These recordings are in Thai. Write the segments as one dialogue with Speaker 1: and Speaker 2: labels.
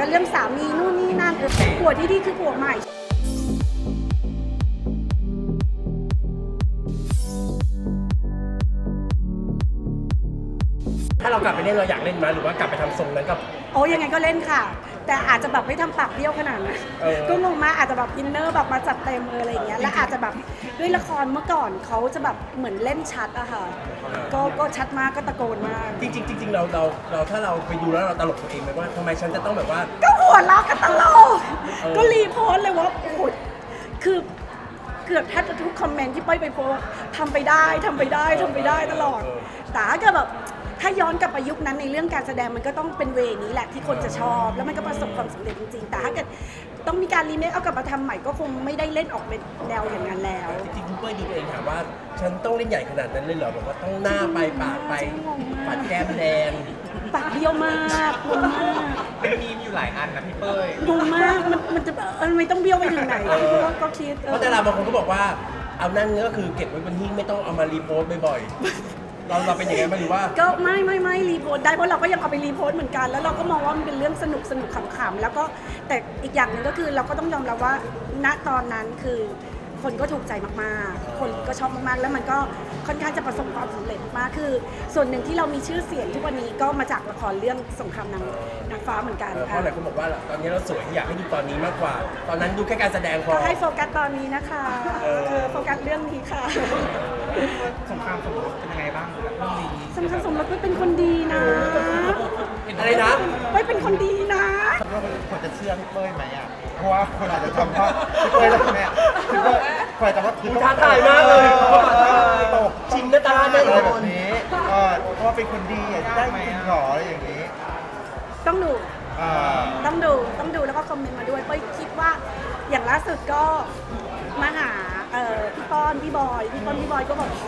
Speaker 1: เรื่องสามีนู่นนี่นั่นผัวที่ดีคือผัวใหม่
Speaker 2: ถ้าเรากลับไปเล่นเราอยากเล่นไหมหรือว่ากลับไปทำทรงนั้นกับ
Speaker 1: โอ้ยังไงก็เล่นค่ะแต่อาจจะแบบไม่ทำปากเบี้ยวขนาดนั้นก็งงมากอาจจะแบบอินเนอร์แบบมาจัดเต็มอะไรอย่างเงี้ยและอาจจะแบบด้วยละครเมื่อก่อนเขาจะแบบเหมือนเล่นชัดอะค่ะก็ชัดมากก็ตะโกนมาก
Speaker 2: จริงๆจริงๆเราถ้าเราไปดูแล้วเราตลกตัวเองไหมว่าทำไมฉันจะต้องแบบว่า
Speaker 1: ก็หัวเราะกันตลกก็รีโพสต์เลยว่าโอ้โหคือเกือบแทบจะทุกคอมเมนต์ที่ป้อยไปโพสต์ทำไปได้ตลอดแต่ถ้าเกิดแบบถ้าย้อนกลับไปยุคนั้นในเรื่องการแสดงมันก็ต้องเป็นเวนี้แหละที่คนจะชอบแล้วมันก็ประสบความสำเร็จจริงๆแต่ถ้าเกิดต้องมีการรีเมคเอากลับมาทำใหม่ก็คงไม่ได้เล่นออกเป็นแนวอย่างนั้นแล้ว
Speaker 2: จริงๆคุณเป้ยดูตัวเองถามว่าฉันต้องเล่นใหญ่ขนาดนั้นเลยเหรอแบบว่าต้องหน้าไปปากไปปัดแก้มแดง
Speaker 1: ปากเบี้ยวมากงงมาก
Speaker 3: เป็นมีมอยู่หลายอันนะพี่เป้ย
Speaker 1: งงมากมันจะไม่ต้องเบี้ยวไปถึงไหนก็คิด
Speaker 2: เพราะแต่ละบางคนก็บอกว่าเอานั่นก็คือเก็บไว้บนหิ้งไม่ต้องเอามารีโพสต์บ่อยๆเราเป็นยังไงบ้างหรือว่า
Speaker 1: ก็ไม่รีโพสต์ได้เพราะเราก็ยังเอาไปรีโพสต์เหมือนกันแล้วเราก็มองว่ามันเป็นเรื่องสนุกขำๆแล้วก็แต่อีกอย่างหนึ่งก็คือเราก็ต้องยอมรับว่าณตอนนั้นคือคนก็ถูกใจมากๆคนก็ชอบมากๆแล้วมันก็ค่อนข้างจะประสบความสำเร็จมากคือส่วนหนึ่งที่เรามีชื่อเสียงทุกวันนี้ก็มาจากละครเรื่องสงครามนางฟ้าเหมือนกัน
Speaker 2: เพราะหลายคนบอกว่าตอนนี้เราสวยอยากให้ดูตอนนี้มากกว่าตอนนั้นดูแค่การแสดงพอ
Speaker 1: ก็ให้โฟกัสตอนนี้นะคะโฟกัสเรื่องนี้ค่ะ
Speaker 3: สงครามสมรสเป็นยังไงบ้างเรื่องนี้
Speaker 1: สำคัญสมรสไม่เป็นคนดีนะ
Speaker 2: อะไรนะ
Speaker 1: ไม่เป็นคนดีนะ
Speaker 3: ว่าคนจะเชื่อพี่เป้ยไหมอ่ะเพราะว่าคนอาจจะจำว่าพี่เป้ยแล้วแม่พี่เป้ยคนอาจจะว่าคือ
Speaker 2: ท้าทายมากเลย
Speaker 3: ตก
Speaker 2: ชิงกระตาได้
Speaker 3: อะไรแบบนี้เพราะว่าเป็นคนดีได้จริงหรออะไรอย่างนี้
Speaker 1: ต้องดูแล้วก็คอมเมนต์มาด้วยเป้ยคิดว่าอย่างล่าสุดก็มาหาพี่ป้อนพี่บอยก็บอก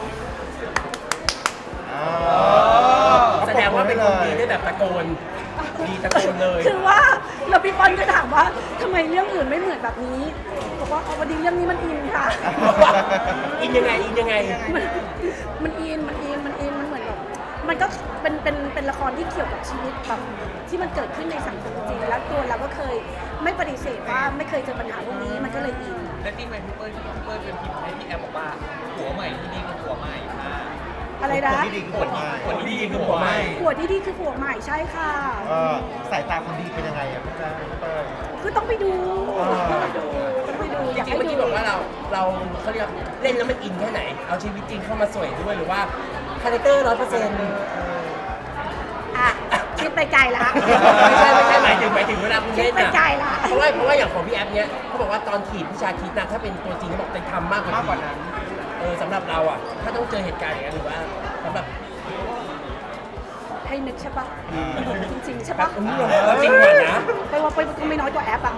Speaker 2: แสดงว่าเป็นคนดีได้แบบตะโกนดีตะโกนเลย
Speaker 1: คือว่าแล้วพี่ป้อนก็ถามว่าทำไมเรื่องอื่นไม่เหมือนแบบนี้บอกว่าพอดีเรื่องนี้มันอินค่ะ
Speaker 2: อินยังไง
Speaker 1: มันอินมันเหมือนแบบมันก็เป็นละครที่เกี่ยวกับชีวิตแบบที่มันเกิดขึ้นในสังคมจริงแล้วตัวเราก็เคยไม่ปฏิเสธว่าไม่เคยเจอปัญหาพวกนี้มันก็เลยอิน
Speaker 3: และที่พี่เป้ยเป็นพิมพ์ให้พี่แอมบอกว่าผัวใหม่ที่ดีคือผัวใหม่ค่ะ
Speaker 1: อะไรนะ
Speaker 3: ผัวที่ดีคือผัวใหม่คือผัวใ
Speaker 1: หม่ใช่ค่ะ
Speaker 3: สายตาคนดีเป็นยังไงอะพี่เป้ย
Speaker 1: คือต้องไปดู
Speaker 2: จริงๆเมื่อกี้บอกว่าเราเขาเรียกเล่นแล้วมันอินแค่ไหนเอาชีวิตจริงเข้ามาสวยด้วยหรือว่าคาแรคเตอร์100%
Speaker 1: คิดไปไกลละ
Speaker 2: ไม่ใช่หมายถึงเวลาคุณเล่น
Speaker 1: ไปไกลละ
Speaker 2: เพราะว่าอย่างของพี่แอฟเนี้ยเขาบอกว่าตอนขีดพี่ชาคิดนะถ้าเป็นตัวจริงเขาบอกจะทำมากกว่านั้นสำหรับเราอ่ะถ้าต้องเจอเหตุการณ์อย่างนั้นหรือว่าสำหรับ
Speaker 1: ให้นึกใช่ปะจริงใช่ปะ
Speaker 2: จริงกว่านะ
Speaker 1: ไปว่าไปก็ไม่น้อยกว่าแอปอ่ะ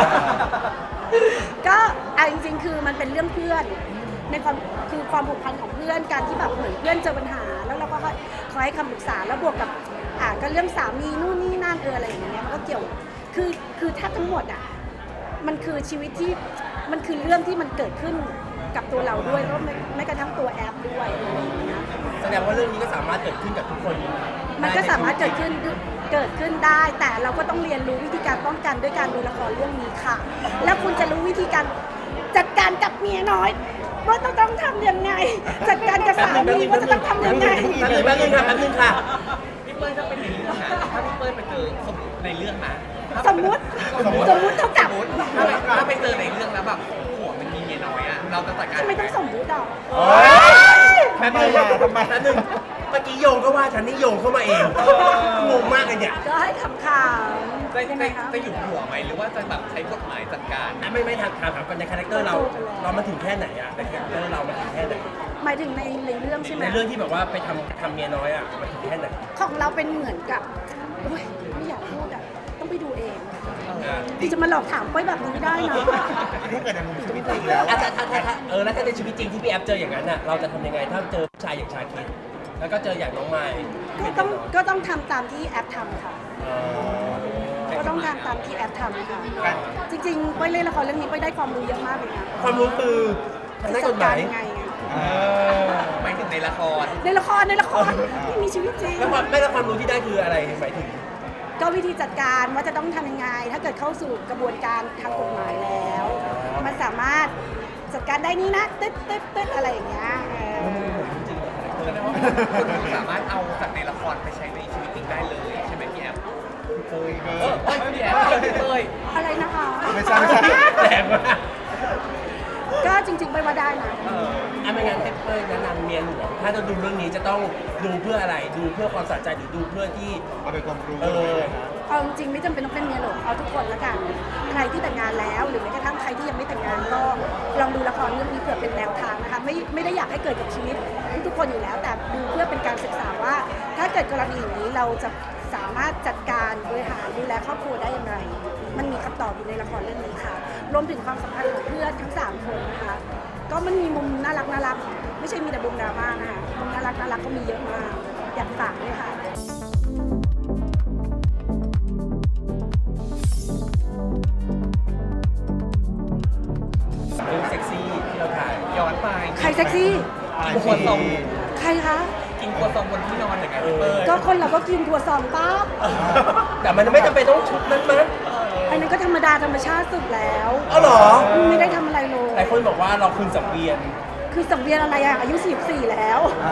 Speaker 1: ก็จริงๆคือมันเป็นเรื่องเพื่อนในความผูกพันของเพื่อนการที่แบบเหมือนเพื่อนเจอปัญหาแล้วเราก็คอยให้คำปรึกษาแล้วบวกกับก็เรื่องสามีนู่นนี่นั่นอะไรอย่างเงี้ยมันก็เกี่ยวคือถ้าทั้งหมดอ่ะมันคือชีวิตที่มันคือเรื่องที่มันเกิดขึ้นกับตัวเราด้วยแล้วไม่กระทั่งตัวแอปด้วยอะไรอย่างเงี้ย
Speaker 2: แสดงว่าเรื่องนี้ก็สามารถเกิดขึ้นกับทุกคน
Speaker 1: มันก็สามารถเกิดขึ้นได้แต่เราก็ต้องเรียนรู้วิธีการป้องกันด้วยการดูละครเรื่องนี้ค่ะแล้วคุณจะรู้วิธีการจัดการกับเมียน้อยว่าต้องทำยังไงจัดการกับสามีว่าจะต้องทำยังไง
Speaker 2: แป๊บนึงค่ะ
Speaker 3: พี่เป้ยถ้าเป็นในเรื่องนะถ้าพี่เป้ยไปเจอในเรื่องนะ
Speaker 1: สมมุติเท่ากับ
Speaker 3: ถ้าไปเจอในเรื่องแล้วแบบผัวมันมีเมียน้อยอ่ะเราจะจัดการ
Speaker 1: ทำไมต้องสมมุติอ่ะ
Speaker 2: แป๊บนึงเมื่อกี้โยงก็ว่าฉันนี่โยงเข้ามาเองงงมากเลยเนี่ย
Speaker 1: ก็ให้ขำ
Speaker 3: จะหยุดหัวไหมหรือว่าจะแบบใช้กฎหมายจัดการ
Speaker 2: ไม่ถามกันในคาแรคเตอร์เรามาถึงแค่ไหนอ่ะในคาแรคเตอร์เรามาถึงแค่ไหน
Speaker 1: หมายถึงในเรื่องใช่ไหม
Speaker 2: ในเรื่องที่แบบว่าไปทำเมียน้อยอ่ะมาถึงแค่ไหน
Speaker 1: ของเราเป็นเหมือนกับไม่อยากพูดอ่ะต้องไปดูเองจะมาหลอกถามไปแบบนี้ไม่ได้นะ
Speaker 3: ถ้าเกิดในมุมชีวิตจริงแล้ว
Speaker 2: แล้วถ้าในชีวิตจริงที่พี่แอฟเจออย่างนั้นน่ะเราจะทำยังไงถ้าเจอชายอย่างชาคิดแล้วก็เจออย่างน้องไมค์
Speaker 1: ก็ต้องทำตามที่แอปทำค่ะก็ต้องทำตามที่แอปทำค่ะจริงๆไปเล่นละครเรื่องนี้ไปได้ความรู้เยอะมากเลยนะ
Speaker 2: ความรู้คือ
Speaker 1: จัดการยังไง
Speaker 3: หมายถึงในละคร
Speaker 1: ที่มีชีวิตจริง
Speaker 2: แล้วไม่ละความรู้ที่ได้คืออะไรหมายถึง
Speaker 1: ก็วิธีจัดการว่าจะต้องทำยังไง ถ้าเกิดเข้าสู่กระบวนการทางกฎหมายแล้ว มันสามารถจัดการได้นี่นะตึ๊ดอะไรอย่างเงี้ย
Speaker 4: แสดงว่าคุณสามารถเอาจากในละครไปใช้ในชีวิตจริงได้เลยใช่ไหมพี่แอฟ
Speaker 3: เคย
Speaker 4: พี่แอฟพี่เต้ย
Speaker 1: อะไรนะคะ
Speaker 3: ไม่ใช่
Speaker 2: แรงมาก
Speaker 1: ก็จริงๆไปว่าได้นะ
Speaker 2: ไม่งั้นให้เป้ยแนะนำเมียหลวงถ้าจะดูเรื่องนี้จะต้องดูเพื่ออะไรดูเพื่อความสะใจหรือดูเพื่อที่
Speaker 3: เอาเป็นความรู้
Speaker 2: เออ
Speaker 1: เอาจริงๆไม่จำเป็นต้องเป็นเมียหลวงเอาทุกคนละกันใครที่แต่งงานแล้วหรือแม้กระทั่งใครที่ยังไม่แต่งงานก็ลองดูละครเรื่องนี้เผื่อเป็นแนวทางนะคะไม่ได้อยากให้เกิดกับชีวิตทุกคนอยู่แล้ว แต่ดูเพื่อเป็นการศึกษาว่า ถ้าเกิดกรณีอย่างนี้เราจะสามารถจัดการบริหารดูแลครอบครัวได้อย่างไรมันมีคำตอบอยู่ในละครเรื่องนี้ค่ะรวมถึงความสัมพันธ์ของเพื่อนทั้ง3คนนะคะก็มันมีมุมน่ารักไม่ใช่มีแต่มุมดราม่านะคะมุมน่ารักก็มีเยอะมากอยากฝากด้วยค่ะ
Speaker 2: เรื่องเซ็กซี่ที่เราถ่าย
Speaker 4: ย้อนไป
Speaker 1: ใครเซ็กซี่
Speaker 4: กินครัวซอง
Speaker 1: ใครคะ
Speaker 4: กินครัวซองบนที่นอนอย่างไงพี่เต้ย
Speaker 1: ก็คนเราก็กินถั่วซองป้า
Speaker 2: แต่มันไม่จำเป็นต้องชุดนั้นมั้ง
Speaker 1: อันนั้นก็ธรรมดาธรรมชาติสุดแล้ว
Speaker 2: อ๋อเหรอ
Speaker 1: ไม่ได้ทำอะไรเลย
Speaker 2: หลายคนบอกว่าเราคืนสังเวียน
Speaker 1: คือสังเวียนอะไรอะอายุ44แล้ว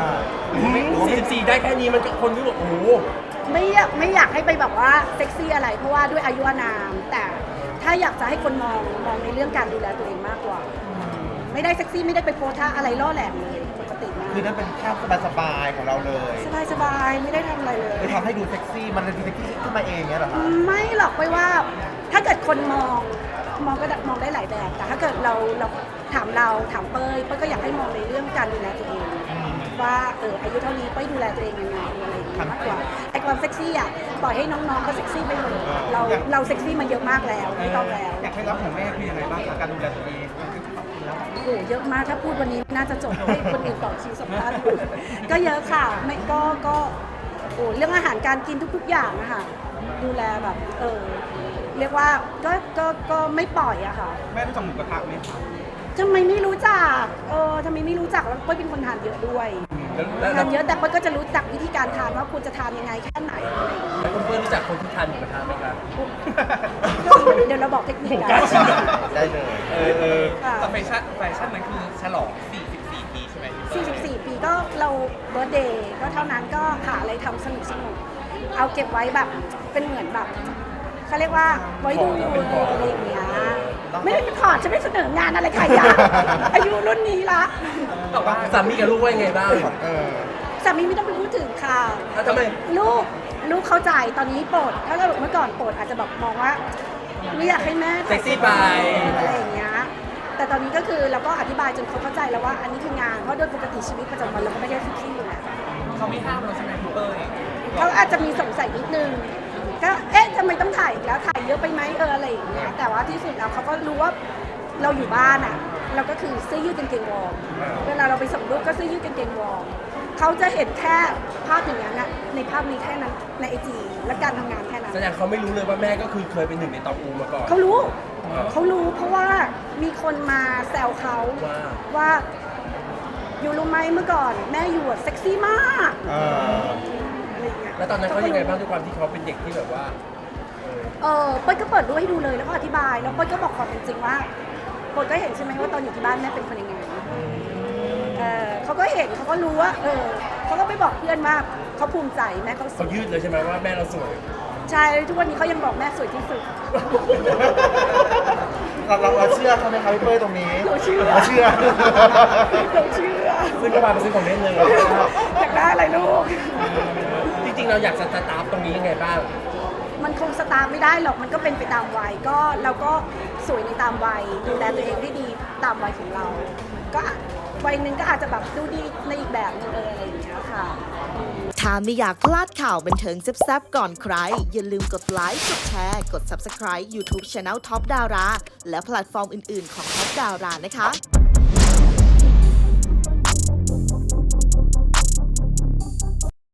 Speaker 2: 44ได้แค่นี้มันก็คนที่บอกโอ้โห
Speaker 1: ไม่อยากให้ไปแบบว่าเซ็กซี่อะไร เพราะว่าด้วยอายุอานาม แต่ถ้าอยากจะให้คนมองในเรื่องการดูแลตัวเองมากกว่า ไม่ได้เซ็กซี่ไม่ได้ไปโพสท่าอะไรล่อแหลมเลยปกติมาก
Speaker 3: คือนั่นเป็นแค่สบายๆของเราเลย
Speaker 1: สบายๆไม่ได้ทำอะไรเลย
Speaker 3: เลยทำให้ดูเซ็กซี่มันเลยดูเซ็กซี่ขึ้นมาเองเนี้ยเหรอคะ
Speaker 1: ไม่หรอกไปว่าถ้าเกิดคนมองก็มองได้หลายแบบ แต่ถ้าเกิดเราถามเป้ยก็อยากให้มองในเรื่องการดูแลตัวเอง ว่าอายุเท่านี้เป้ยดูแลตัวเองยังไงอะไรอย่างเงี้ยมากกว่าไอ้ความเซ็กซี่อ่ะปล่อยให้น้องๆเขาเซ็กซี่ไปเลยเราเซ็กซี่มาเยอะมากแล้วไม่ต้องแล้ว
Speaker 4: อยากให้รับของแม่คือยังไงบ้างกับการดูแลตัวเอง
Speaker 1: โอ้โหเยอะมากถ้าพูดวันนี้น่าจะจบให้คนอื่นต่อคิวสัมภาษณ์ก็เยอะค่ะไม่ก็โอ้เรื่องอาหารการกินทุกๆอย่างนะคะดูแลแบบเรียกว่าก็ไม่ปล่อยอะค่ะ
Speaker 4: แม่รู้จักหมูกระทะไหมคะ
Speaker 1: ทำไมไม่รู้จักทำไมไม่รู้จักแล้วเป้ยเป็นคนทานเยอะด้วยทานเยอะแต่เป้ยก็จะรู้จักวิธีการทานว่าควรจะทานยังไงแค่ไหนอะไรอย่างเงี้ย
Speaker 2: แล้วคุณเพื่อนรู้จักคนที่ทานหมูกระทะไหมครับ
Speaker 1: เดี๋ยวเราบอกเทคนิค
Speaker 2: ผม
Speaker 1: กั
Speaker 2: กล้าน ชิม
Speaker 3: ได้เลย
Speaker 1: ค่ะ
Speaker 4: แต่แฟชั่นนั้นคือฉลอง 44 ปีใช่ไหมพี่เต้ย
Speaker 1: 44 ปีก็เราเบิร์ธเดย์ก็เท่านั้นก็หาอะไรทำสนุกเอาเก็บไว้แบบเป็นเหมือนแบบเขาเรียกว่าไว้ดูอะไรอย่างเงี้ยไม่ได้เป็นพอร์ตฉันไม่เสนองานอะไรใครอะอายุรุ่นนี้ละ
Speaker 4: แต่ว่า
Speaker 2: สามีกับลูกว่ายังไงบ้าง
Speaker 1: สามีไม่ต้องไปพูดถึงค่ะ
Speaker 2: แล้วทำไม
Speaker 1: ลูกเข้าใจตอนนี้โปรดถ้าเกิดเมื่อก่อนโปรดอาจจะแบบมองว่าไม่อยากให้แม่
Speaker 2: เซ็กซี่ไป
Speaker 1: อะไรอย่างเงี้ยแต่ตอนนี้ก็คือเราก็อธิบายจนเขาเข้าใจแล้วว่าอันนี้คืองานเพราะโดยปกติชีวิตประจำวันเราก็ไม่ได้เซ็กซี่อยู่แล้ว
Speaker 4: เขาไม่ห้ามเราใช่ไหมพี่เต้ย
Speaker 1: เขาอาจจะมีสงสัยนิดนึงก็ทำไมต้องถ่ายอีกแล้วถ่ายเยอะไปไหมอะไรอย่างเงี้ยแต่ว่าที่สุดแล้วเขาก็รู้ว่าเราอยู่บ้านอ่ะเราก็คือเสื้อยืดกางเกงวอร์มเวลาเราไปส่งลูกก็เสื้อยืดกางเกงวอร์มเขาจะเห็นแค่ภาพอย่างนั้นนะในภาพนี้แค่นั้นในไอจีและการทำงานแค่นั้น
Speaker 2: แสดงเขาไม่รู้เลยว่าแม่ก็คือเคยเป็นหนึ่งในตองอูมาก่อน
Speaker 1: เขารู้เพราะว่ามีคนมาแซวเขาว่าอยู่รู้ไหมเมื่อก่อนแม่อยู่เซ็กซี่มากอะไรอย่างเงี้ย
Speaker 2: แล้วตอนนั้นเขายังไงบ้างด้วยความที่เขาเป็นเด็กที่แบบว่า
Speaker 1: เป้ยก็เปิดรูปให้ดูเลยแล้วก็อธิบายแล้วเป้ยก็บอกความเป็นจริงว่าเป้ยก็เห็นใช่ไหมว่าตอนอยู่ที่บ้านแม่เป็นคนยังไงเขาก็เห็นเขาก็รู้ว่าเขาก็ไปบอกเพื่อนว่าเขาภูมิใจแม่เขาส
Speaker 2: เขา
Speaker 1: วย
Speaker 2: ยืดเลยใช่ไหมว่าแม่เราสวย
Speaker 1: ใช่ทุกวันนี้เขายังบอกแม่สวยที่สุด
Speaker 3: เราเชื่อเขาไหมคะพี่เป้ยตรงนี้
Speaker 1: เราเชื่อ
Speaker 3: เราเชื่อ
Speaker 1: เราเชื่อ
Speaker 2: ซึ่งก็มาเป็นซื้อของเล่นเลย
Speaker 1: อยากได้อะไรลูก
Speaker 2: จริงๆเราอยากจะสตาร์ทตรงนี้ยังไงบ้าง
Speaker 1: มันคงสตาร์ทไม่ได้หรอกมันก็เป็นไปตามวัยก็เราก็สวยในตามวัยดูแลตัวเองให้ดีตามวัยของเรา ก็วัยหนึ่งก็อาจจะแบบดูดีในอีกแบบนึงอะไรอย่างเงี้ยค่ะ
Speaker 5: ถ้าไม่อยากพลาดข่าวบันเทิงแซ่บๆก่อนใคร อย่าลืมกดไลค์ กดแชร์ กด Subscribe YouTube Channel Top Dara และแพลตฟอร์มอื่นๆของ Top Dara นะคะ